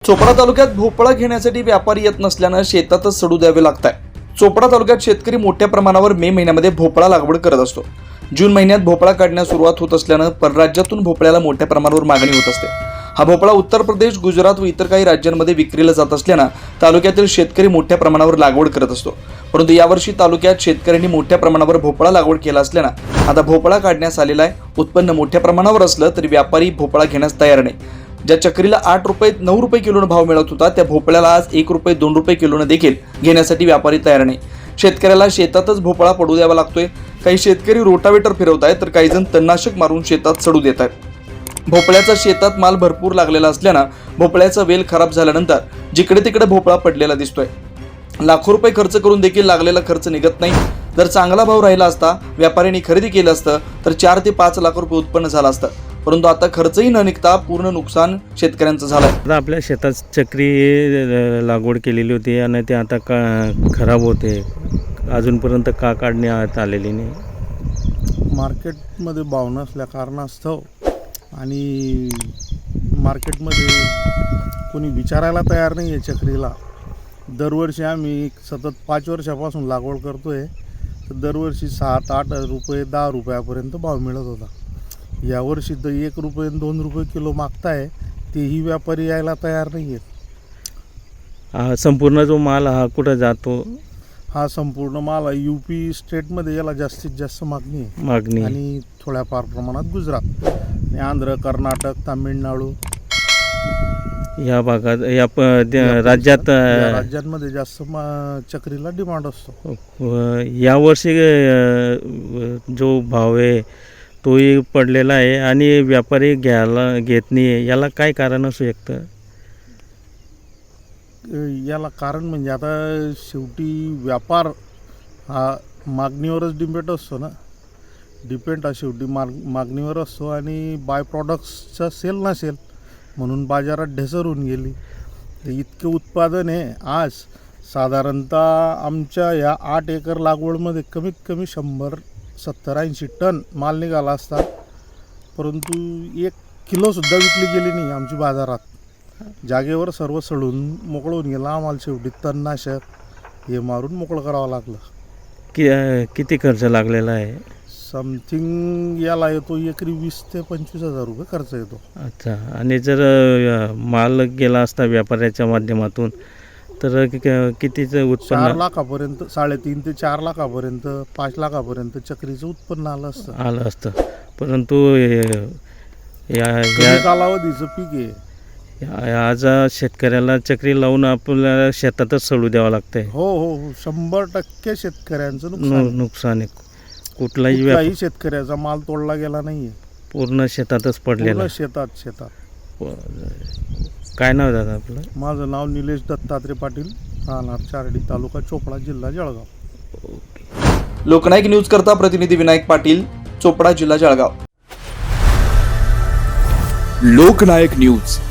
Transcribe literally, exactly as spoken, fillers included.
चोपडा तालुक्यात भोपळा घेण्यासाठी व्यापारी येत नसल्यानं शेतातच सडू द्यावे लागत आहे। चोपडा तालुक्यात शेतकरी मोठ्या प्रमाणावर मे महिन्यामध्ये भोपळा लागवड करत असतो। जून महिन्यात भोपळा काढण्यास सुरुवात होत असल्यानं परराज्यातून भोपळ्याला मोठ्या प्रमाणावर मागणी होत असते। हा भोपळा उत्तर प्रदेश, गुजरात व इतर काही राज्यांमध्ये विक्रीला जात असल्यानं तालुक्यातील शेतकरी मोठ्या प्रमाणावर लागवड करत असतो। परंतु यावर्षी तालुक्यात शेतकऱ्यांनी मोठ्या प्रमाणावर भोपळा लागवड केला असल्यानं आता भोपळा काढण्यास आलेला आहे। उत्पन्न मोठ्या प्रमाणावर असलं तरी व्यापारी भोपळा घेण्यास तयार नाही। ज्या चक्रीला आठ रुपये नऊ रुपये किलोनं भाव मिळत होता त्या भोपळ्याला आज एक रुपये दोन रुपये किलोनं देखील घेण्यासाठी व्यापारी तयार नाही। शेतकऱ्याला शेतातच भोपळा पडू द्यावा लागतोय। काही शेतकरी रोटावेटर फिरवत आहेत तर काही जण तणनाशक मारून शेतात सडू देत आहेत। भोपळ्याचा शेतात माल भरपूर लागलेला असल्यानं भोपळ्याचा वेल खराब झाल्यानंतर जिकडे तिकडे भोपळा पडलेला दिसतोय। लाखो रुपये खर्च करून देखील लागलेला खर्च निघत नाही। जर चांगला भाव राहिला असता, व्यापाऱ्यांनी खरेदी केलं असतं तर चार ते पाच लाख रुपये उत्पन्न झालं असतं। परंतु आता खर्चही न निघता पूर्ण नुकसान शेतकऱ्यांचं झालंय। आता आपल्या शेतात चक्री लागवड केलेली होती आणि ते आता का खराब होते, अजूनपर्यंत का काढण्यात आलेली नाही? मार्केटमध्ये भाव नसल्या कारणास्तव आणि मार्केटमध्ये कोणी विचारायला तयार नाही आहे चक्रीला। दरवर्षी आम्ही सतत पाच वर्षापासून लागवड करतोय तर दरवर्षी सात आठ रुपये दहा रुपयापर्यंत भाव मिळत होता। यावर्षी तर एक रुपये दोन रुपये किलो मागताय, तेही व्यापारी यायला तयार नाही आहेत। हा संपूर्ण जो माल हा कुठं जातो? हा संपूर्ण माल यू पी स्टेटमध्ये याला जास्तीत जास्त मागणी आहे मागणी आणि थोड्याफार प्रमाणात गुजरात आणि आंध्र, कर्नाटक, तामिळनाडू या भागात या प राज्यात या राज्यांमध्ये जास्त चक्रीला डिमांड असतो। यावर्षी जो भाव आहे तोही पडलेला आहे आणि व्यापारी घ्यायला घेत नाही आहे, याला काय कारण असू शकतं? याला कारण म्हणजे आता शेवटी व्यापार हा मागणीवरच डिपेंड असतो ना, डिपेंड हा शेवटी माग मागणीवर असतो आणि बाय प्रॉडक्ट्सचा सेल नसेल म्हणून बाजारात ढेसर होऊन गेली। तर इतके उत्पादन आहे आज साधारणतः आमच्या या आठ एकर लागवडमध्ये कमीत कमी शंभर सत्तर ऐंशी टन माल निघाला असता, परंतु एक किलोसुद्धा विकली गेली नाही आमची बाजारात। जागेवर सर्व सडून मोकळं होऊन गेलं। आम्हाला शेवटी तणनाशक हे मारून मोकळं करावं लागलं। कि किती खर्च लागलेला आहे? समथिंग याला येतो एकरी वीस ते पंचवीस हजार रुपये खर्च येतो। अच्छा, आणि जर माल गेला असता व्यापाऱ्याच्या माध्यमातून तर कितीचं उत्पन्न? चार लाखापर्यंत साडेतीन ते चार लाखापर्यंत पाच लाखापर्यंत चक्रीचं उत्पन्न आलं असतं आलं असतं परंतु या या कालावधीचं पीक आहे। आज शेतकऱ्याला चक्री लावून आपल्याला शेतातच सडू द्यावं लागतंय। हो हो हो शंभर टक्के शेतकऱ्यांचं नुकसान नुकसान आहे। कुठलाही कुठलाही शेतकऱ्याचा माल तोडला गेला नाहीये, पूर्ण शेतातच पडलेला शेतात शेतात काय नाव दादा आपलं? माझं नाव निलेश दत्तात्रय पाटील, राहणार चारडी, तालुका चोपडा, जिल्हा जळगाव। लोकनायक न्यूज करता प्रतिनिधी विनायक पाटील, चोपडा, जिल्हा जळगाव। लोकनायक न्यूज